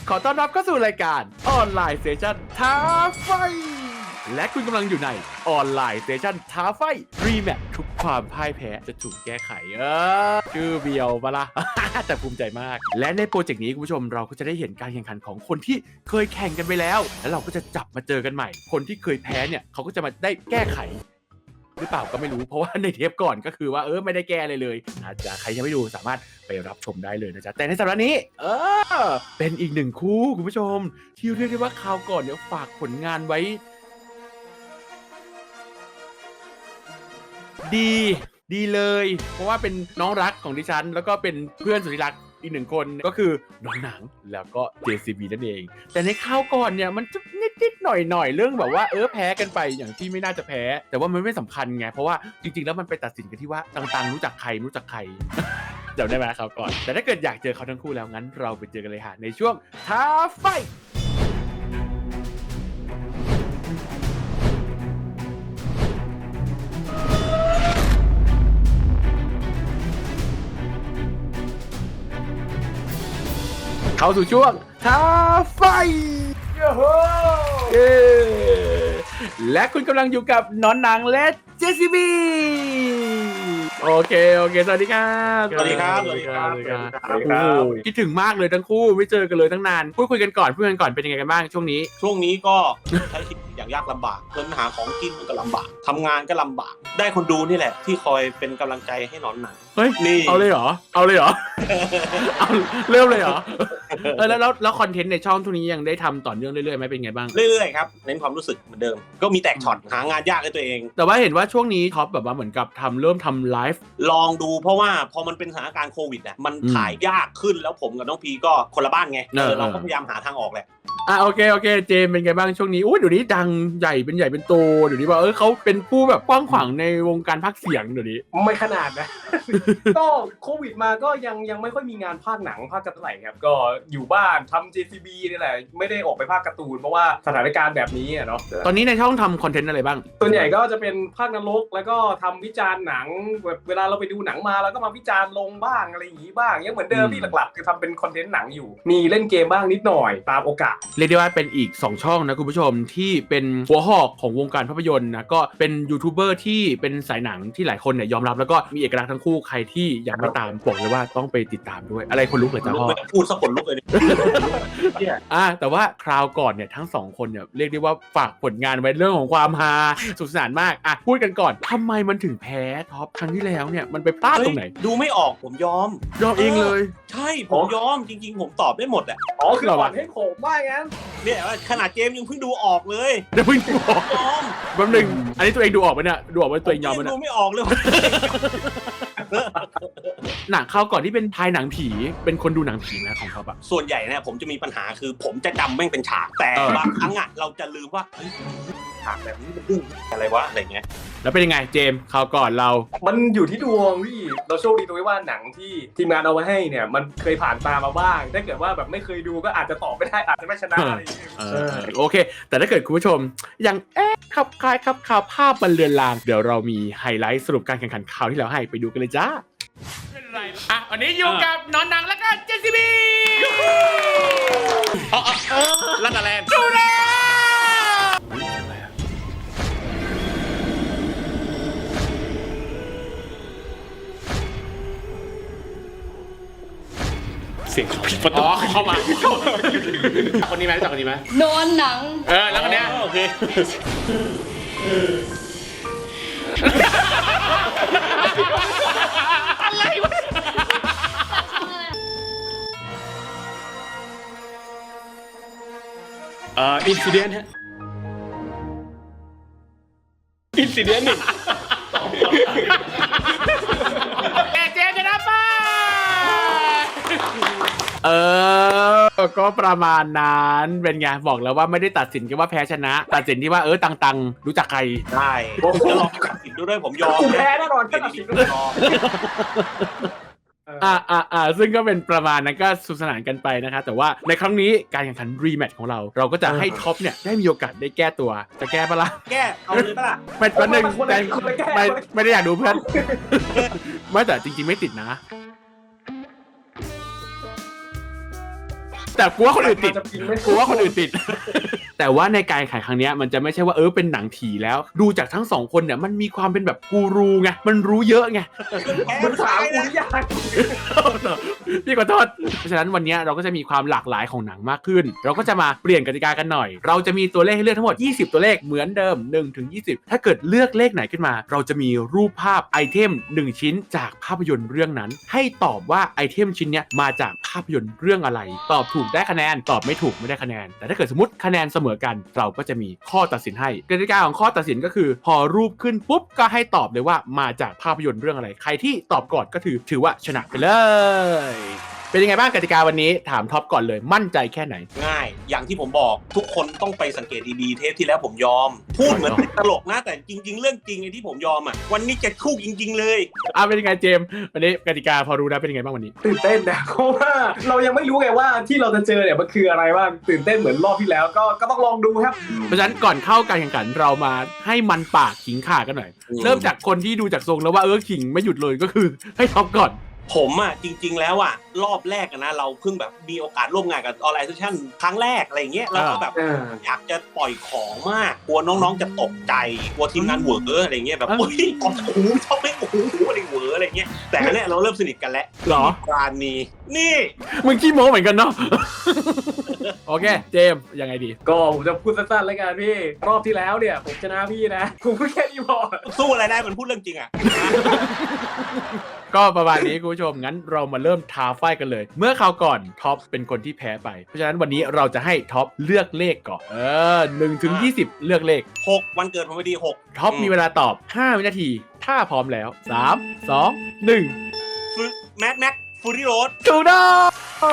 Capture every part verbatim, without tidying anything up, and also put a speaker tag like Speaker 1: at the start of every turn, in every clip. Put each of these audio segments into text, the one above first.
Speaker 1: ขอต้อนรับเข้าสู่รายการออนไลน์เซสชั่นท้าไฟและคุณกำลังอยู่ในออนไลน์เซสชั่นท้าไฟรีแมททุกความพ่ายแพ้จะถูกแก้ไขเออชื่อเบียวปะล่ะ แต่ภูมิใจมากและในโปรเจกต์นี้คุณผู้ชมเราก็จะได้เห็นการแข่งขันของคนที่เคยแข่งกันไปแล้วแล้วเราก็จะจับมาเจอกันใหม่คนที่เคยแพ้เนี่ยเขาก็จะมาได้แก้ไขหรือเปล่าก็ไม่รู้เพราะว่าในเทปก่อนก็คือว่าเออไม่ได้แก้เลยเลยอาจจะใครยังไม่ดูสามารถไปรับชมได้เลยนะจ๊ะแต่ในสัปดาห์นี้เออเป็นอีกหนึ่งคู่คุณผู้ชมที่เรียกได้ว่าคราวก่อนเนี่ยฝากผลงานไว้ดีดีเลยเพราะว่าเป็นน้องรักของดิฉันแล้วก็เป็นเพื่อนสุดที่รักอีกหนึ่งคนก็คือน้องหนังแล้วก็ เจ ซี บี นั่นเองแต่ในคราวก่อนเนี่ยมันจะนิดๆหน่อยๆเรื่องแบบว่าเออแพ้กันไปอย่างที่ไม่น่าจะแพ้แต่ว่ามันไม่สำคัญไงเพราะว่าจริงๆแล้วมันไปตัดสินกันที่ว่าต่างๆรู้จักใครรู้จักใคร เดี๋ยวได้ไหมครับก่อนแต่ถ้าเกิดอยากเจอเขาทั้งคู่แล้วงั้นเราไปเจอกันเลยฮะในช่วงท้าไฟเข้าสู่ช่วงท้าไฟเย้และคุณกำลังอยู่กับน้องหนังและ เจ ซี บี โอเคโอเคสวัสดีครับ
Speaker 2: สวัสดีครับสวัสดีครับสวัสดีครับ
Speaker 1: คิดถึงมากเลยทั้งคู่ไม่เจอกันเลยตั้งนานพูดคุยกันก่อนพูดกันก่อนเป็นยังไงกันบ้างช่วงนี้
Speaker 2: ช่วงนี้ก็ใช้ชีวิตอย่างยากลำบากเงินหาของกินมันก็ลำบากทำงานก็ลำบากได้คนดูนี่แหละที่คอยเป็นกำลังใจให้หนอนหนัง
Speaker 1: เฮ้ย
Speaker 2: นี่
Speaker 1: เอาเลยเหรอเอาเลยเหรอ เอาเริ่มเลยเหรอเออแล้วแล้วแล้วคอนเทนต์ในช่องทุกนี้ยังได้ทำต่อเนื่องเรื่อยๆไหมเป็นไงบ้าง
Speaker 2: เรื่อยๆครับเน้นความรู้สึกเหมือนเดิมก็มีแตกช็อตหางานยากให้ตัวเอง
Speaker 1: แต่ว่าเห็นว่าช่วงนี้ท็อปแบบว่าเหมือนกับทำเริ่มทำไลฟ์
Speaker 2: ลองดูเพราะว่าพอมันเป็นสถานการณ์โควิดอ่ะมันถ่ายยากขึ้นแล้วผมกับน้องพีก็คนละบ้านไงเออเราก็พยายามหาทางออกแหละ
Speaker 1: อ่ะโอเคโอเคเจมเป็นไงบ้างช่วงนี้อุ้ยเดี๋ยวนี้ดังใหญ่เป็นใหญ่เป็นโตเดี๋ยวนี้ว่าเออเขาเป็นผู้แบบกว้างขวางในวงการพากย์เสียงเดี๋ยวนี้
Speaker 3: ไม่ขนาดนะ ก็โควิดมาก็ยังยังไม่ค่อยมีงานพากย์หนังพากย์กันเท่าไหร่ครับก็อยู่บ้านทำ เจ ซี บี นี่แหละไม่ได้ออกไปพากย์การ์ตูนเพราะว่าสถานการณ์แบบนี้อ่ะเนาะ
Speaker 1: ตอนนี้ในช่องทำคอนเทนต์อะไรบ้าง
Speaker 3: ส่วนใหญ่ก็จะเป็นพากย์นรกแล้วก็ทำวิจารณ์หนังแบบเวลาเราไปดูหนังมาแล้วก็มาวิจารณ์ลงบ้างอะไรอย่างนี้บ้างยังเหมือนเดิมที่หลักๆคือทำเป็นคอนเทนต์หนังอยู่มีเล่นเกมบ้างนิดหน่อยตามโอกาส
Speaker 1: เรียกได้ว่าเป็นอีกสองช่องนะคุณผู้ชมที่เป็นหัวหอกของวงการภาพยนตร์นะก็เป็นยูทูบเบอร์ที่เป็นสายหนังที่หลายคนเนี่ยยอมรับแล้วก็มีเอกลักษณ์ทั้งคู่ใครที่ยังไม่ตามบอกเลยว่าต้องไปติดตามด้วยอะไรคนลุกเลยจ้าพ่อ
Speaker 2: พูดสักคนลุกเลย
Speaker 1: เนี่ยอ่ะแต่ว่าคราวก่อนเนี่ยทั้งสองคนเนี่ยเรียกได้ว่าฝากผลงานไว้เรื่องของความฮาสนุกสนานมากอ่ะพูดกันก่อนทำไมมันถึงแพ้ท็อปครั้งที่แล้วเนี่ยมันไปพลาดตรงไหน
Speaker 2: ดูไม่ออกผมยอม
Speaker 1: ยอมเองเลย
Speaker 2: ใช่ผมยอมจริงๆผมตอบได้หมดแหละ
Speaker 3: อ๋อคือหวังให้ผมว่างั้น
Speaker 2: เนี่ยขนาดเจมยังเพิ่งดูออกเลย
Speaker 1: เดี๋ยวเพิ่งดูออกยอมแป๊บนึงอันนี้ตัวเองดูออกไหมเนี่ยดูออกไหมตัวเองยอมไหมเนี่ย
Speaker 2: ดูไม่ออกเลย
Speaker 1: หนังเข้าก่อนที่เป็นทายหนังผีเป็นคนดูหนังผีนะของเขาแบบ
Speaker 2: ส่วนใหญ่เนี่ยผมจะมีปัญหาคือผมจะจำแม่งเป็นฉากแต่บางครั้งอ่ะเราจะลืมว่าฉากแบบนี้มันเรื่องอะไรวะอะไรเงี้ย
Speaker 1: แล้วเป็นยังไงเจมส์คราวก่อนเรา
Speaker 3: มันอยู่ที่ดวงพี่เราโชคดีตรงที่ว่าหนังที่ทีมงานเอาไว้ให้เนี่ยมันเคยผ่านตามาบ้างถ้าเกิดว่าแบบไม่เคยดูก็อาจจะตอบไม่ได้อาจจะไม่ชนะอะไรอย่างเงี้ย
Speaker 1: โอเคแต่ถ้าเกิดคุณผู้ชมยังเอ๊ะขับคลายขับข่าวภาพมันเลือนลางเดี๋ยวเรามีไฮไลท์สรุปการแข่งขันข่าวที่เราให้ไปดูกันเลยจ้าอ่ะวันนี้อยู่กับน้องหนังและก็ เจ ซี บี
Speaker 2: อ๋อเออลันดาแลนด์
Speaker 1: ดูนะ
Speaker 2: เสียงผิดประตู
Speaker 1: อ๋อเข้ามาคนนี้ไหมรู้จักคนนี้ไหม
Speaker 4: นอนหนัง
Speaker 1: เออแล้วคนเนี้ย
Speaker 2: โอเค
Speaker 1: อะไรวะ
Speaker 2: เอ่ออินซิเดนต์ฮะอินซิเดนต์นี่
Speaker 1: แกเจนนะป้าเออก็ประมาณนั้นเป็นไงบอกแล้วว่าไม่ได้ตัดสินกันว่าแพ้ชนะตัดสินที่ว่าเออตังๆรู้จักใคร
Speaker 2: ได้ผมจะลองตัดสินดูด้วยผมยอม
Speaker 3: แพ้แน่นอนถ้าตัดสินด้วย
Speaker 1: อ่าอ่าอ่าซึ่งก็เป็นประมาณนั้นก็สนุกสนานกันไปนะคะแต่ว่าในครั้งนี้การแข่งขันรีแมตช์ของเราเราก็จะให้ท็อปเนี่ยได้มีโอกาสได้แก้ตัวจะแก้ปะล่ะ
Speaker 2: แก้เอาเลยปะล่ะ
Speaker 1: ไม่ประเด็นไม่ไม่ได้อยากดูเพื่อนไม่แต่จริงๆไม่ติดนะแต่กูว่าคนอื่นติด
Speaker 3: จะพิงไม่
Speaker 1: กูว่าคนอื่นติด แต่ว่าในการแข่งครั้งนี้มันจะไม่ใช่ว่าเออเป็นหนังผีแล้วดูจากทั้งสองคนเนี่ยมันมีความเป็นแบบกูรูไงมันรู้เยอะไง
Speaker 3: มึงถามกูหรือยัง
Speaker 1: พี่ขอโทษเพราะฉะนั้นวันนี้เราก็จะมีความหลากหลายของหนังมากขึ้นเราก็จะมาเปลี่ยนกติกากันหน่อยเราจะมีตัวเลขให้เลือกทั้งหมดยี่สิบตัวเลขเหมือนเดิมหนึ่งถึงยี่สิบถ้าเกิดเลือกเลขไหนขึ้นมาเราจะมีรูปภาพไอเทมหนึ่งชิ้นจากภาพยนตร์เรื่องนั้นให้ตอบว่าไอเทมชิ้นเนี้ยมาจากภาพยนตร์เรื่องอะไรตอบถูกได้คะแนนตอบไม่ถูกไม่ได้คะแนนแต่ถ้าเกิดสมมติคะแนนเสมอกันเราก็จะมีข้อตัดสินให้กติกาของข้อตัดสินก็คือพอรูปขึ้นปุ๊บก็ให้ตอบเลยว่ามาจากภาพยนตร์เรื่องอะไรใครที่ตอบก่อนก็ถือถือว่าชนะไปเลยเป็นยังไงบ้างกติกาวันนี้ถามท็อปก่อนเลยมั่นใจแค่ไหน
Speaker 2: ง่ายอย่างที่ผมบอกทุกคนต้องไปสังเกตดีๆเทปที่แล้วผมยอมพูดเหมือนเป็นตลกนะแต่จริงๆเรื่องจริงไอ้ที่ผมยอมอ่ะวันนี้จะคู่จริงๆเลย
Speaker 1: อ่ะเป็นยังไงเจมส์วันนี้กติกาพอรู้นะเป็นยังไงบ้างวันนี้
Speaker 3: ตื่นเต้นนะเพราะว่าเรายังไม่รู้ไงว่าที่เราจะเจอเนี่ยมันคืออะไรบ้างตื่นเต้นเหมือนรอบที่แล้วก็ก็ต้องลองดูครับ
Speaker 1: เพราะฉะนั้นก่อนเข้าการแข่งขันเรามาให้มันปากขิงข่ากันหน่อยเริ่มจากคนที่ดูจากทรงแล้วว่าเออขิงไม่หยุดเลยก็คือให้ท็อปก่อน
Speaker 2: ผมอ่ะจริงๆแล้วอ่ะรอบแรกนะเราเพิ่งแบบมีโอกาสร่วมงานกับออนไลน์เซสชั่นครั้งแรกอะไรเงี้ยเราก็แบบอยากจะปล่อยของมากกลัวน้องๆจะตกใจกลัวทีมงานเหวออะไรเงี้ยแบบโอ้ยโอ้โหชอบไม่โอ้โหอะไรเหวออะไรเงี้ยแต่อันเนี้ยเราเริ่มสนิทกันแล้ว
Speaker 1: หรอ
Speaker 2: การนี้นี่
Speaker 1: มึงขี้โม้เหมือนกันเนาะโอเคเจมยังไงดี
Speaker 3: ก็ผมจะพูดสั้นๆแล้วกันพี่รอบที่แล้วเนี่ยผมชนะพี่นะผมพูดแค่นี้พอ
Speaker 2: สู้อะไรได้มันพูดเรื่องจริงอ่ะ
Speaker 1: ก็ประมาณนี้คุณผู้ชมงั้นเรามาเริ่มท้าไฟกันเลยเมื่อคราวก่อนท็อปเป็นคนที่แพ้ไปเพราะฉะนั้นวันนี้เราจะให้ท็อปเลือกเลขก่อนเออหนึ่งถึงยี่สิบเลือกเลข
Speaker 2: หกวันเกิดผมพอดีหก
Speaker 1: ท็อปมีเวลาตอบห้าวินาทีถ้าพร้อมแล้วสาม สอง หนึ่ง
Speaker 2: แมทแม็กฟูรี่โรด
Speaker 1: ถูกต้อง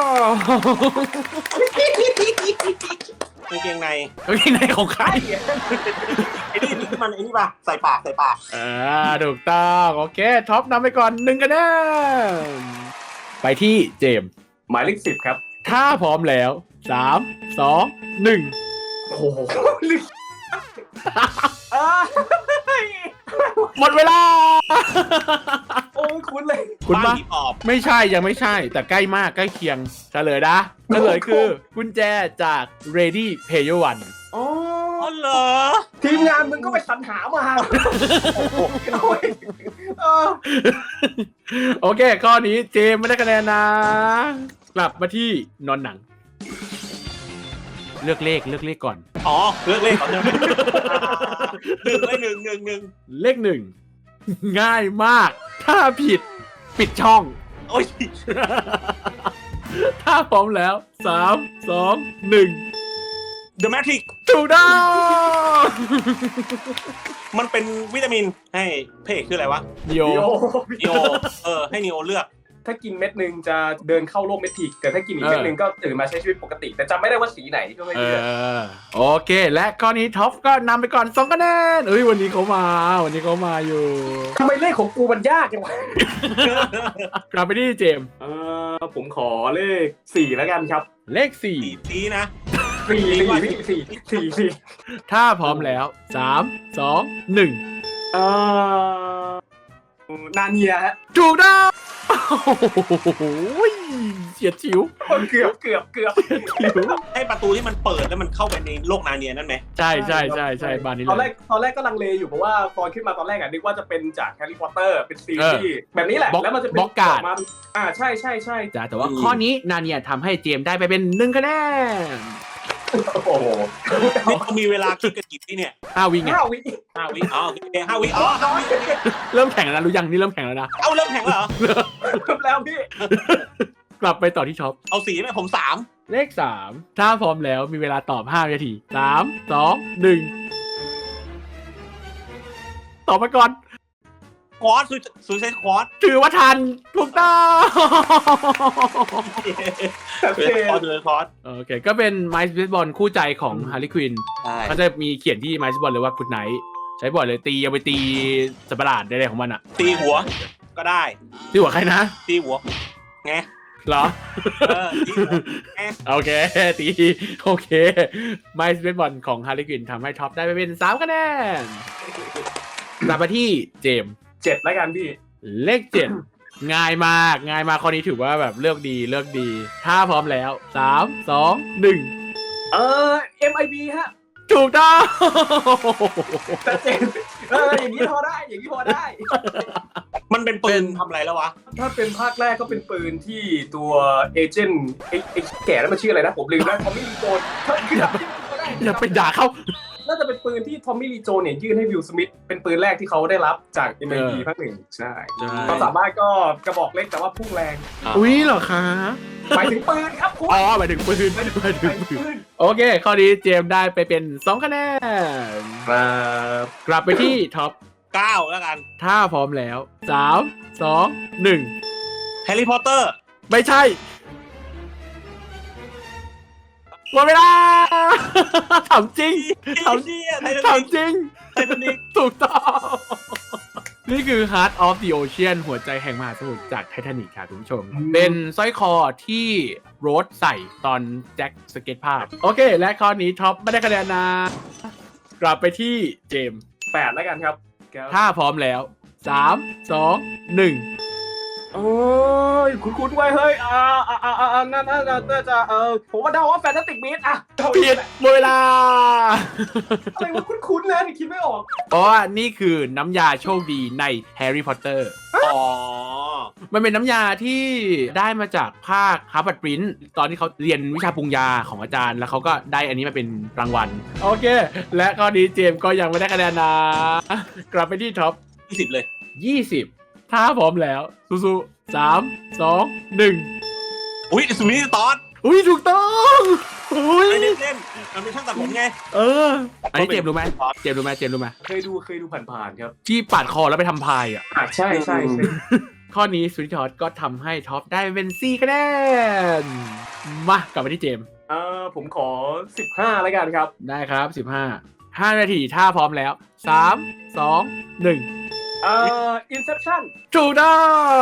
Speaker 2: กางเกงใน
Speaker 1: กางเกงในของใคร
Speaker 2: ไอ้นี่นี่มันไอ้นี่ป่ะใส่ปากใส่ปาก
Speaker 1: อ่าถูกต้องโอเคท็อปนำไปก่อนหนึ่งคะแนนไปที่เจม
Speaker 3: หมายเลขสิบครับ
Speaker 1: ถ้าพร้อมแล้วสาม สอง หนึ่ง
Speaker 3: โอ้โห
Speaker 1: หมดเวลา
Speaker 3: โอ้คุ้นเลย
Speaker 1: คุณปะไม่ใช่ยังไม่ใช่แต่ใกล้มากใกล้เคียงเฉลยนะเฉลยคือกุญแจจาก Ready Player One
Speaker 3: อ๋อ
Speaker 2: เหรอ
Speaker 3: ทีมงานมึงก็ไปสรรหามา
Speaker 1: โอเคข้อนี้เจมไม่ได้คะแนนนะกลับมาที่นอนหนังเลือกเลขเลือกเลขก่อน
Speaker 2: อ๋อเลือกเลขก่อนหนึ่งหนึ่งเลขหนึ่งหนึ่งหนึ่ง
Speaker 1: เลขหนึ่งง่ายมากถ้าผิดปิดช่อง
Speaker 2: โอ้ย
Speaker 1: ถ้าพร้อมแล้วสาม สอง หนึ่ง
Speaker 2: The Matrix
Speaker 1: ถูกต้อง
Speaker 2: มันเป็นวิตามินให้เพจคืออะไรวะ
Speaker 1: นิโอ
Speaker 2: นิโอเออให้นิโอเลือก
Speaker 3: ถ้ากินเม็ดนึงจะเดินเข้าโลกเมทิกแต่ถ้ากินอีกเม็ดนึงก็ตื่นมาใช้ชีวิตปกติแต่จำไม่ได้ว่าสีไหนก็ไม่รู้
Speaker 1: โอเคและข้อนี้ท็อปก็นำไปก่อนสองคะแนนเอ้ยวันนี้เขามาวันนี้เขามาอยู่
Speaker 3: ทำไมเลขของกูมันยากจังวะ
Speaker 1: กลับไปที่เจม
Speaker 3: เออผมขอเลขสี่แล้วกันครับ
Speaker 1: เลขสี่
Speaker 2: สีนะ
Speaker 3: สี่สี่สี่สี่สี่
Speaker 1: ถ้าพร้อมแล้วสาม สอง หนึ่ง
Speaker 3: เออนาเนียฮะ
Speaker 1: ถูกต้องเฉียดฉิว
Speaker 3: เกือบเกือบเกือบ
Speaker 2: ให้ประตูที่มันเปิดแล้วมันเข้าไปในโลกนาเนียนั่นไหม
Speaker 1: ใช่ใช่ใช่ใช่บ้านนี้
Speaker 3: ตอนแรกตอนแรกก็ลังเลอยู่เพราะว่าตอนขึ้นมาตอนแรกอ่ะนึกว่าจะเป็นจากแฮร์รี่พอตเตอร์เป็นซีรีส์แบบนี้แหละแล้วมันจะเป็น
Speaker 1: บล็อกการ์ด
Speaker 3: อ่าใช่ใช่ใช่
Speaker 1: จ้าแต่ว่าข้อนี้นาเนียทำให้เจมได้ไปเป็นหนึ่งคะแนน
Speaker 3: โอ้โห
Speaker 2: นี่เขามีเวลาคิดกันกี่ที่เนี่ย
Speaker 1: ห้าวิไง
Speaker 3: ห้าวิ
Speaker 2: ห้าวิอ๋อโอเคห้าวิอ๋อห้าวิ
Speaker 1: เริ่มแข่งแล้วรู้ยังนี่เริ่มแข่งแล้วนะ
Speaker 2: เอาเริ่มแข่งแล้วเหรอ
Speaker 3: เริ่มแล้วพี่
Speaker 1: กลับไปต่อที่ช็อป
Speaker 2: เอาสีไหมผมสาม
Speaker 1: เลขสามถ้าพร้อมแล้วมีเวลาตอบห้านาทีสาม สอง หนึ่งตอบมาก่อน
Speaker 2: ควอตซูเซตควอต
Speaker 1: ถือว่าทันถูกต้อง
Speaker 2: โอเคควอตเลยควอต
Speaker 1: โอเคก็เป็นไมซ์เบสบอลคู่ใจของฮาร์ลีควินเขาจะมีเขียนที่ไมซ์เบสบอลเลยว่าคุณไนท์ใช้บ่อยเลยตีเอาไปตีสัตว์ประหลาดได้ของมันอ่ะ
Speaker 2: ตีหัวก็ได้
Speaker 1: ตีหัวใครนะ
Speaker 2: ตีหัวไง
Speaker 1: เหรอ
Speaker 2: เออตีหัวไง
Speaker 1: โอเคตีโอเคไมซ์เบสบอลของฮาร์ลีควินทำให้ท็อปได้ไปเป็นสามคะแนนกลับมาที่เจม
Speaker 3: เจ็ดแล้วกันพี่
Speaker 1: เลขเจ็ดง่ายมากง่ายมากข้อนี้ถือว่าแบบเลือกดีเลือกดีถ้าพร้อมแล้วสามสองหนึ่ง
Speaker 3: เออ เอ็ม ไอ บี ฮะ
Speaker 1: ถูกต้อง
Speaker 3: ชัดเจนเอออย่างนี้พอได้อย่างนี้พอได้
Speaker 2: มันเป็นปืนทำอะไรแล้ววะ
Speaker 3: ถ้าเป็นภาคแรกก็เป็นปืนที่ตัวเอเจนต์ไอ้ไอ้แก่แล้วมันชื่ออะไรนะผมลืมแล้วทอมมี่ลีโจนคือจำชื่อเขาได้
Speaker 1: อย่าไปด่าเขา
Speaker 3: น่าจะเป็นปืนที่ทอมมี่ลีโจนเนี่ยยื่นให้วิลสมิธเป็นปืนแรกที่เขาได้รับจาก เอ็ม ไอ บี ภาคหนึ่งใช่ความสามารถก็กระบอกเล็กแต่ว่าพุ่งแรง
Speaker 1: อุ้ยเหรอคะ
Speaker 3: หมายถึงปืนครับคุณ
Speaker 1: อ๋อหมายถึงปืนหมายถึงปืนโอเค ข้อนี้เจมส์ได้ไปเป็นสองคะแนน
Speaker 3: ครับ
Speaker 1: กลับไปที่ท็อป
Speaker 2: เก้าแล้วกัน
Speaker 1: ถ้าพร้อมแล้วสามสองหนึ่ง
Speaker 2: แฮร์รี่พอตเตอร์
Speaker 1: ไม่ใช่หมดเวลา ถามจริง
Speaker 2: ทำเชี่ยไททา
Speaker 1: ถาม
Speaker 2: นิก
Speaker 1: จริง
Speaker 2: ไททานิก
Speaker 1: ถูกต้อง นี่คือ Heart of the Ocean หัวใจแห่งมหาสมุทรจากไททานิกค่ะคุณผู้ชม เป็นสร้อยคอที่โรสใส่ตอนแจ็คสเก็ตภาพ โอเค และข้อนี้ท็อปไม่ได้คะแนนนะ กลับไปที่เจมส์
Speaker 3: แปดแล้วกันครับ
Speaker 1: ถ้าพร้อมแล้วสามสองหนึ่ง
Speaker 3: โอ้ยคุ้นๆไว้เฮ้ยอ่าอ่าอ่าอ่านั่นนั่นน่าจะเออผมว่าเดาว่าแฟนตาติกบีสอะเดา
Speaker 1: ผิดหมดเวลา
Speaker 3: อะไรวะคุ้นๆนะนี่คิดไม่ออก
Speaker 1: เพราะว่านี่คือน้ำยาโชคดีในแฮร์รี่พอตเตอร์
Speaker 2: อ๋อ
Speaker 1: มันเป็นน้ำยาที่ได้มาจากภาคฮาร์วาร์ดปรินซ์ตอนที่เขาเรียนวิชาปรุงยาของอาจารย์ แล้วเขาก็ได้อันนี้มาเป็นรางวัล โอเค และข้อนี้เจมส์ก็ยังไม่ได้คะแนนนะ กลับไปที่ท็อป
Speaker 2: ยี่สิบเลย
Speaker 1: ยี่สิบ ถ้าพร้อมแล้วสู้ๆสามสองหนึ่ง
Speaker 2: อุ้ยสุนิตอส
Speaker 1: อุ้ยถูกต้องอุ้ย
Speaker 2: ไม่ได้เล่นมันเป็นช่างตัดผมไง
Speaker 1: เออ อันนี้เจมส์รู้ไหมเจมส์รู้ไหมเจมส์รู้ไหม
Speaker 3: เคยดูเคยดูผ่านๆครับ
Speaker 1: ที่ปาดคอแล้วไปทำพายอ่ะ
Speaker 3: อ่ะใช่ใช่ใช่
Speaker 1: ข้อนี้สวิตทอสก็ทำให้ท็อปได้เป็นสี่คะแนน มากลับไปที่เจมส์
Speaker 3: เออผมขอสิบห้าแล้วกันครับ
Speaker 1: ได้ครับสิบห้า ห้านาทีถ้าพร้อมแล้วสาม สอง หนึ่ง
Speaker 3: เอ่อ Inception
Speaker 1: ถูกต้อง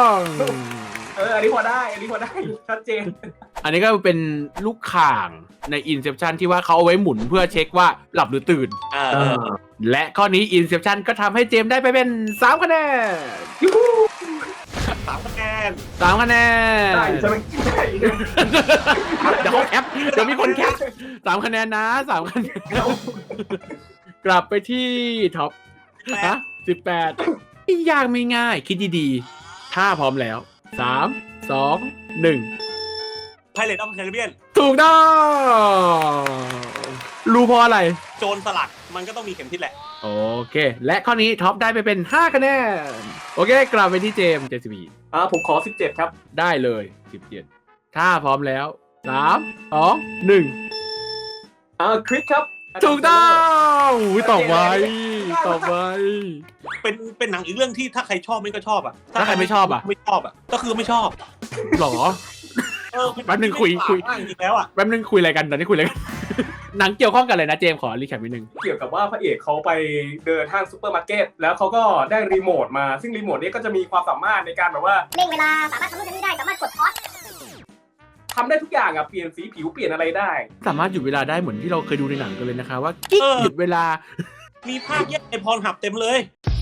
Speaker 3: เอออันนี้พอได้อันนี้พอได้ชัดเจน
Speaker 1: อันนี้ก็เป็นลูกข่างใน Inception ที่ว่าเขาเอาไว้หมุนเพื่อเช็คว่าหลับหรือตื่น
Speaker 2: อ่า
Speaker 1: และข้อนี้ Inception ก็ทำให้เจมส์ได้ไปเป็นสามคะแนน
Speaker 2: สามคะแนน
Speaker 1: สามคะแนน
Speaker 3: ได้ใช่ไหมได้
Speaker 1: เดี๋ยวเขาแคปเดี๋ยวมีคนแคปสามคะแนนนะสามคะแนน กลับไปที่ท็อป
Speaker 2: แป
Speaker 1: ฮะ
Speaker 2: ด
Speaker 1: สิบแปดยากไม่ง่าย คิดดีๆ ถ้าพร้อมแล้วสาม สอง หนึ่ง
Speaker 2: ไพเรตออฟแคริเบียน
Speaker 1: ถูกต้องรู้เพราะอะไร
Speaker 2: โจรสลัดมันก็ต้องมีเข็มทิศแหละ
Speaker 1: โอเค และข้อนี้ท็อปได้ไปเป็นห้าคะแนน โอเค กลับไปที่เจมส์เจสบี
Speaker 3: อ่าผมขอสิบเจ็ดครับ
Speaker 1: ได้เลยสิบเจ็ดถ้าพร้อมแล้วสาม สอง หนึ่ง
Speaker 3: อ่าคริสครับ
Speaker 1: ถูกต้องอุ๊ยตอบไวตอบไว
Speaker 2: เป็นเป็นหนังอีกเรื่องที่ถ้าใครชอบไม่ก็ชอบอ่ะ
Speaker 1: ถ้าใครไม่ชอบอ่ะ
Speaker 2: ไม่ชอบอ่ะก็คือไม่ชอบ
Speaker 1: หรอ
Speaker 2: เออ
Speaker 1: แป๊บนึงคุยคุย
Speaker 2: จริงๆแล้วอ่ะ
Speaker 1: แป๊บนึงคุยอะไรกันตอนนี้คุยอะไรกัน หนังเกี่ยวข้องกันเลยนะเจมส์ขอรีแคปนิดนึง
Speaker 3: เกี่ยวกับว่าพระเอกเขาไปเดินห้างซูเปอร์มาร์เก็ตแล้วเขาก็ได้รีโมทมาซึ่งรีโมทนี้ก็จะมีความสามารถในการแบบว่า
Speaker 4: เร่งเวลาสามารถทำนู่นทำนี่ได้สามารถกดพอส
Speaker 3: ทำได้ทุกอย่างอ่ะเปลี่ยนสีผิวเปลี่ยนอะไรได้
Speaker 1: สามารถหยุดเวลาได้เหมือนที่เราเคยดูในหนังกันเลยนะคะว่ากิ๊กหยุดเวลา
Speaker 2: มีภาคแยกในพรหับเต็มเลย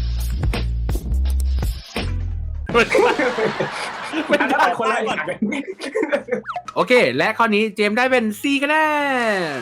Speaker 3: อันนั้นคนละอย่างกัน
Speaker 1: โอเค และข้อนี้เจมส์ได้เป็นสี่คะแนน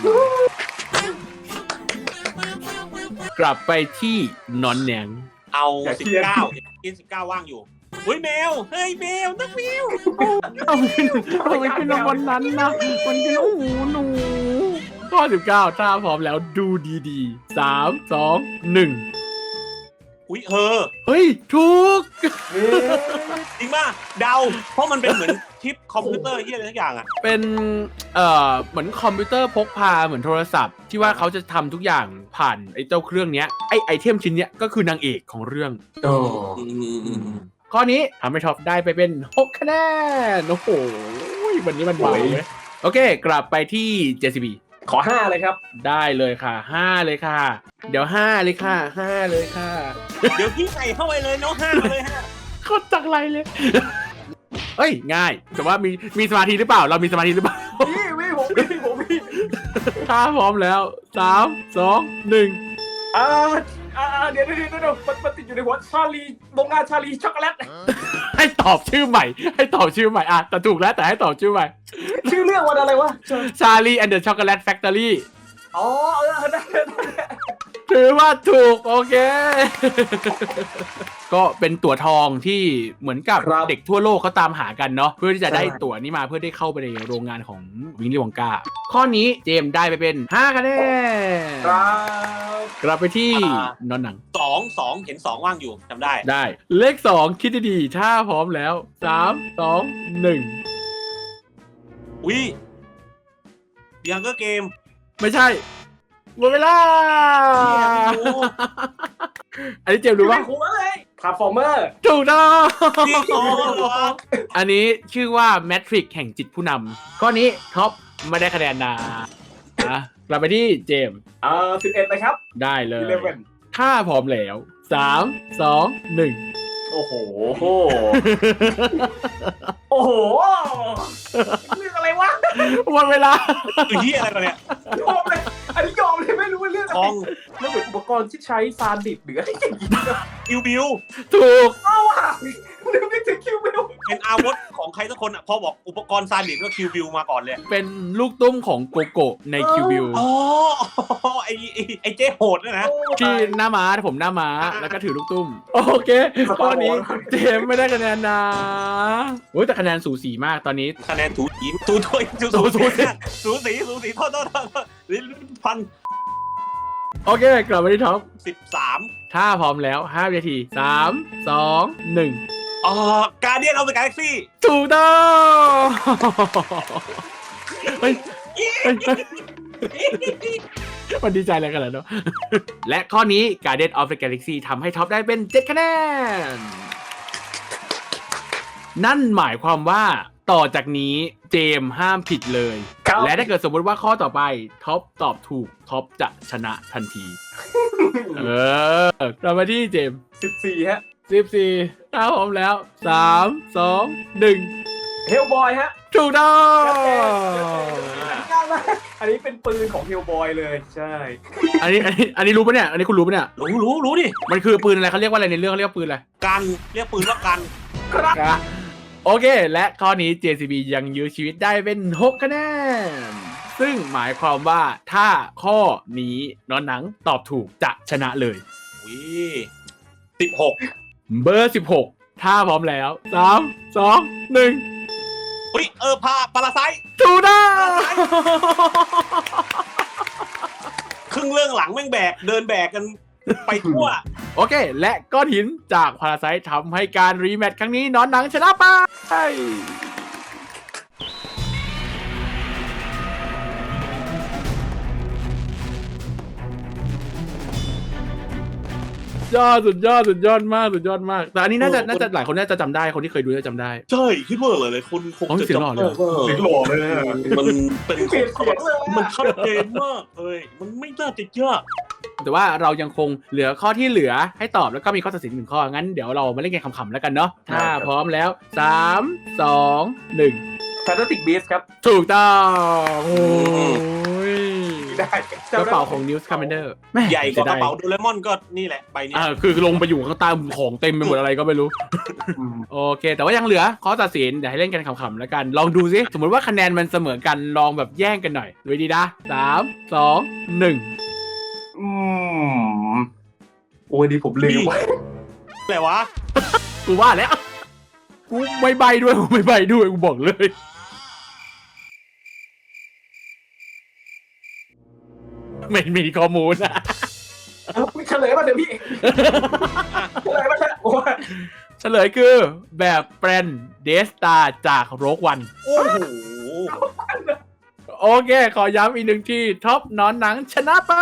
Speaker 1: กลับไปที่นอนแหนง
Speaker 2: เอาสิบเก้ายี่สิบเก้าว่างอยู่เฮ้ยแมวเฮ้ยแมวนักแมว
Speaker 1: ทำไมทำไมเป็นวันนั้นนะมันเป็นโอ้โหหนูข้อสิบเก้าถ้าพร้อมแล้วดูดีๆสาม สอง หนึ่ง
Speaker 2: อุ้ยเฮอ
Speaker 1: เฮ้ย ถูก
Speaker 2: จริงป่ะเดาเพราะมันเป็นเหมือนชิปคอมพิวเตอร์ที่อะไรทุกอย่างอ่ะ
Speaker 1: เป็นเอ่อเหมือนคอมพิวเตอร์พกพาเหมือนโทรศัพท์ ที่ว่าเขาจะทำทุกอย่างผ่านไอ้เจ้าเครื่องเนี้ยไอ้ไอเทมชิ้นเนี้ยก็คือนางเอกของเรื่อง
Speaker 3: โอ้
Speaker 1: ข้อนี้ทำให้ท็อปได้ไปเป็นหกคะแนน โอ้โหวันนี้มันเบาเลยโอเค กลับไปที่ เจ ซี บี
Speaker 3: ขอห้าเลยครับ
Speaker 1: ได้เลยค่ะห้าเลยค่ะ เดี๋ยวห้าเลยค่ะห้าเลยค่ะ
Speaker 2: เดี๋ยวพี่ใส่เข้าไปเลยน้องห้าเลยฮะ
Speaker 1: โคตรจังไรเลย เอ้ย ง่าย แต่ว่ามีมีสมาธิหรือเปล่า เรามีสมาธิหรือเปล่า
Speaker 3: พี่พี่ผมพี่ผมพี่
Speaker 1: ถ้าพร้อมแล้วสาม สอง หนึ่ง
Speaker 3: ออ่าอ่าเดี๋ยวเดี๋ยวเดี๋ยวเดี๋ยวมันมันติดอยู่ในหัวชาลีโรงงานชาลีช็อกโกแลต
Speaker 1: ให้ตอบชื่อใหม่ ให้ตอบชื่อใหม่อ่ะแต่ถูกแล้วแต่ให้ตอบชื่อใหม่
Speaker 3: ชื่อเรื่องวันอะไรวะ
Speaker 1: Charlie and the Chocolate Factory
Speaker 3: อ๋อเออได้ได้ได้
Speaker 1: ถือว่าถูกโอเค ก็เป็นตั๋วทองที่เหมือนกับเด็กทั่วโลกเขาตามหากันเนาะเพื่อที่จะได้ตั๋วนี้มาเพื่อได้เข้าไปในโรงงานของวิลลี่วองกาข้อนี้เจมส์ได้ไปเป็นห้าคะแนน
Speaker 3: ครับ
Speaker 1: กลับไปที่นอนหนัง
Speaker 2: สองสองเห็นสองว่างอยู่จำได้
Speaker 1: ได้เลขสองคิดดีๆถ้าพร้อมแล้วสามสองหนึ่ง
Speaker 2: อุ้ยยังก็เกม
Speaker 1: ไม่ใช่หมดเวลา อันนี้เจมส์รู้ป่ะ
Speaker 3: หัวเลยทาร์ฟอร์เมอร์
Speaker 1: ถูกต้อง
Speaker 2: จริงเหรอ
Speaker 1: อันนี้ชื่อว่าแมทริกแห่งจิตผู้นำข้อนี้ท็อปไม่ได้คะแนนนะนะกลับไปที่เจมส์
Speaker 3: อ่าสิบเอ็ดนะครับ
Speaker 1: ได้เลย
Speaker 3: สิบเอ็ด
Speaker 1: ถ้าพร้อมแล้วสามสองหนึ่ง
Speaker 3: โอ้โห โอ้โหเรื่องอะไรวะ
Speaker 1: หมดเวลา
Speaker 2: คือเฮียอะไรกันเนี่ย
Speaker 3: ยอมเลยอันนี้ยอมเลยไม่รู้ว่าเรื่องอะ
Speaker 2: ท
Speaker 3: ไร
Speaker 2: อง
Speaker 3: มันเป็นอุปกรณ์ที่ใช้ซานดิบหรืออะไรอย่างเงี้ย
Speaker 2: คิวบิว
Speaker 1: ถูก
Speaker 3: เอาว่ะนึกไม่ถึงคิวไม่รู้
Speaker 2: เป็นอาวุธของใครสักคนอ่ะพอบอกอุปกรณ์ซาดิสก็คิวบิวมาก่อนเลย
Speaker 1: เป็นลูกตุ้มของโกโกะในคิวบิว
Speaker 2: อ๋อไอไอ้ไอเจ๊โหดนะนะ
Speaker 1: ที่หน้าม้าผมหน้าม้าแล้วก็ถือลูกตุ้ม โอเคข้อนี้เจมส์ไม่ได้คะแนนนะโอ้ยแต่คะแนนสูสีมากตอนนี้
Speaker 2: คะแนนถูสีถูถ้วยถูสูสีสูสีสูสีโทษโทษโทษโทษพัน
Speaker 1: โอเคกลับมาที่ท็อป
Speaker 2: สิบสาม
Speaker 1: ถ้าพร้อมแล้วห้าวินาทีสามสองหนึ่ง
Speaker 2: อ๋อการเดียนเอาไปกาแล็กซี่
Speaker 1: ถูกต้องเฮ้ยเฮ้ยเฮ้ยมันดีใจอะไรกันล่ะเนาะ และข้อนี้ Guardian of the Galaxy ทำให้ท็อปได้เป็นเจ็ดคะแนน นั่นหมายความว่าต่อจากนี้เจมส์ห้ามผิดเลย
Speaker 3: ครับ
Speaker 1: และถ้าเกิดสมมติว่าข้อต่อไปท็อปตอบถูกท็อปจะชนะทันที เออเรามาที่เจมส์
Speaker 3: สิบสี่ฮะ
Speaker 1: สิบสี่ถ้าพร้อมแล้วสามสองหนึ่ง
Speaker 3: เฮลบอยฮะ
Speaker 1: ถูกต้อง
Speaker 3: ง่ายมากอันนี้เป็นปืนของเฮลบอยเลยใช่
Speaker 1: อันนี้อันนี้อันนี้รู้ปะเนี่ย อันนี้คุณรู้ปะเนี่ย
Speaker 2: รู้รู้รู้ดิ
Speaker 1: มันคือปืนอะไรเขาเรียกว่าอะไรในเรื่องเขาเรียกว่าปืนอะไร
Speaker 2: กันเรียกปืนว่ากัน
Speaker 3: ครับ
Speaker 1: ครับโอเค และข้อนี้ เจ ซี บี ยังยื้อชีวิตได้เป็นหกคะแนน ซึ่งหมายความว่าถ้าข้อนี้นอนหนังตอบถูกจะชนะเลย
Speaker 2: อุ้ยสิบหก
Speaker 1: เบอร์สิบหกถ้าพร้อมแล้วสามสองหนึ่ง
Speaker 2: อุ้ยเออพาปาราไซ
Speaker 1: ถูกต้อง
Speaker 2: ครึ่งเรื่องหลังแม่งแบกเดินแบกกันไปทั่ว
Speaker 1: โอเค และก้อนหินจากพาราไซต์ทำให้การรีแมตช์ครั้งนี้นอนหนังชนะไปยอดสุดยอดสุดยอดมากสุดยอดมาก แต่อันนี้น่าจะน่าจะหลายคนน่าจะจำได้คนที่เคยดูน่าจะจำได้
Speaker 2: ใช่คิดว่าหลายๆคนคง
Speaker 1: อ๋อ
Speaker 2: จะ
Speaker 1: เสียงหล่อเลยเหรอ
Speaker 3: เสียงหล่อเลยอะ
Speaker 2: มันเป็น
Speaker 3: เปลี่ยนเสียงเลยอะ
Speaker 2: มันชัดเจนมากเลยมันไม่น่าจะยาก
Speaker 1: แต่ว่าเรายังคงเหลือข้อที่เหลือให้ตอบแล้วก็มีข้อตัดสินหนึ่งข้อ งั้นเดี๋ยวเรามาเล่นเกมขำๆแล้วกันเนาะ ถ้าพร้อมแล้วสามสองหนึ่ง
Speaker 3: แฟนตาติกบีสครับ
Speaker 1: ถูกต้องโอ้ย
Speaker 3: ได้
Speaker 1: กระเป๋าของ Newt Scamander แม่
Speaker 2: ใหญ่กว่ากระเป๋า
Speaker 1: สียด
Speaker 2: โดเรมอนก็นี่แหละใบเนี้ย
Speaker 1: อ่าคือลงไปอยู่ข้างใต้ของเต็มไปหมดอะไรก็ไม่รู้
Speaker 3: อืม
Speaker 1: โอเค แต่ว่ายังเหลือข้อตัดสินเดี๋ยวให้เล่นกันขำๆแล้วกัน ลองดูซิสมมติว่าคะแนนมันเสมอกันลองแบบแย่งกันหน่อยดูดีนะสามสองหนึ่ง
Speaker 3: อืมโอ้ยดีผมลืม
Speaker 2: อะไรวะ
Speaker 1: กูว่าแล้วกูไม่ใบด้วยกูไม่ใบด้วยกูบอกเลย ไม่มีข้อมูลนะ
Speaker 3: เฉลยมาเดี๋ยวพี่เฉลยมาเถอะโอ้ย
Speaker 1: เฉลยคือแบบแปรนเดสตาจากโรกวัน
Speaker 2: โอ้โห
Speaker 1: โอเค ขอย้ำอีกหนึ่งที่ท็อปนอนหนังชนะไป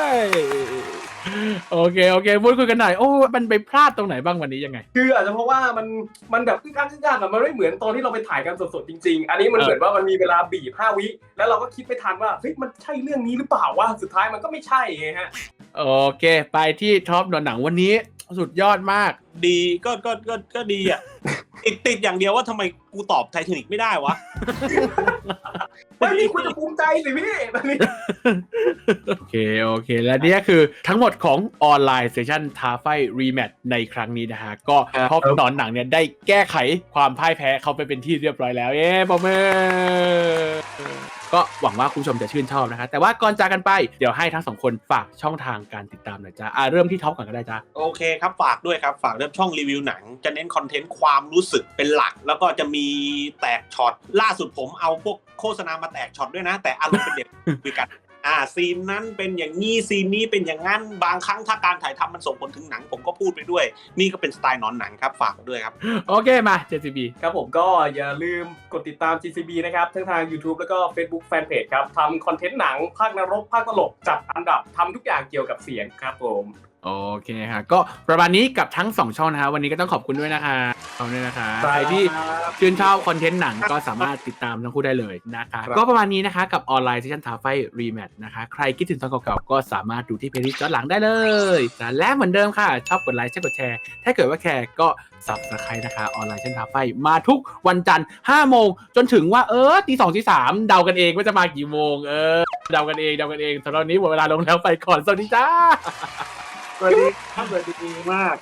Speaker 1: โอเค โอเคพูดคุยกันหน่อย โอ้ มันไปพลาดตรงไหนบ้างวันนี้ยังไง
Speaker 3: คืออาจจะเพราะว่ามันมันแบบอึ้งอั้งอึ้งอั้งอะมันไม่เหมือนตอนที่เราไปถ่ายกันสดๆจริงๆ อันนี้มัน
Speaker 1: เออ
Speaker 3: เหมือนว่ามันมีเวลาบีบห้าวิแล้วเราก็คิดไม่ทันว่าเฮ้ยมันใช่เรื่องนี้หรือเปล่าวะสุดท้ายมันก็ไม่ใช่ไงฮะ
Speaker 1: โอเค ไปที่ท็อปนอนหนังวันนี้ สุดยอดมาก
Speaker 2: ดีก็ก็ก็ก็ดีอ่ะติดติดอย่างเดียวว่าทำไมกูตอบไททานิกไม่ได้วะ
Speaker 3: ไม่พี่คุณจะภูมิใจสิพี่ตอนนี้
Speaker 1: โอเคโอเคและนี่คือทั้งหมดของออนไลน์เซสชั่นท้าไฟรีแมตช์ในครั้งนี้นะฮะก็พ่อหนอนหนังเนี่ยได้แก้ไขความพ่ายแพ้เขาไปเป็นที่เรียบร้อยแล้วเย้ปรบมือก็หวังว่าคุณผู้ชมจะชื่นชอบนะคะแต่ว่าก่อนจากกันไปเดี๋ยวให้ทั้งสองคนฝากช่องทางการติดตามหน่อยจ้าอ่ะเริ่มที่ท็อปก่อนก็ได้จ้า
Speaker 2: โอเคครับฝากด้วยครับฝากเริ่มช่องรีวิวหนังจะเน้นคอนเทนต์ความรู้สึกเป็นหลักแล้วก็จะมีแตกช็อตล่าสุดผมเอาพวกโฆษณามาแตกช็อตด้วยนะแต่อารมณ์เป็นเด็กคุยกันอ่าซีนนั้นเป็นอย่างนี้ซีนนี้เป็นอย่างนั้นบางครั้งถ้าการถ่ายทำมันส่งผลถึงหนังผมก็พูดไปด้วยนี่ก็เป็นสไตล์นอนหนังครับฝากด้วยครับ
Speaker 1: โอเคมา เจ ซี บี
Speaker 3: ครับผมก็อย่าลืมกดติดตาม จี ซี บี นะครับทั้งทาง YouTube แล้วก็ Facebook Fanpage ครับทำคอนเทนต์หนังภาคนรกภาคตลกจัดอันดับทำทุกอย่างเกี่ยวกับเสียงครับผม
Speaker 1: โอเคค่ะก็ประมาณนี้กับทั้งสองช่องนะคะวันนี้ก็ต้องขอบคุณด้วยนะคะขอบคุณด้วยนะคะใครที่ชื่นชอบคอนเทนต์หนังก็สามารถติดตามทั้งคู่ได้เลยนะคะก็ประมาณนี้นะคะกับออนไลน์เซสชั่นท้าไฟรีแมตช์นะคะใครคิดถึงตอนเก่าๆก็สามารถดูที่เพลย์ลิสต์ย้อนหลังได้เลยและเหมือนเดิมค่ะชอบกดไลค์ชอบกดแชร์ถ้าเกิดว่าแคร์ก็ Subscribe นะคะออนไลน์เซสชั่นท้าไฟมาทุกวันจันทร์ห้าโมงจนถึงว่าเออตีสองตีสามเดากันเองว่าจะมากี่โมงเออเดากันเองเดากันเองสำหรับวันนี้หมดเวลาลงแล้วไปก่อนสวัสดีจ้า
Speaker 2: สวัสดีครับสวัสดีมาก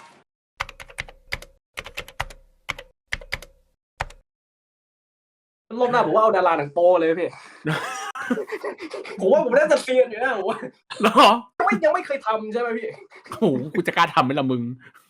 Speaker 3: รอบหน้าผมว่าเอาดาราหนังโป้เลยพี่ ผมว่าผมน่าจะเซียนอยู่นะผมว่า
Speaker 1: หรอ
Speaker 3: ไม่ยังไม่เคยทำใช่ไหมพี่
Speaker 1: โอ้โหกูจะกล้าทำไหมล่ะมึง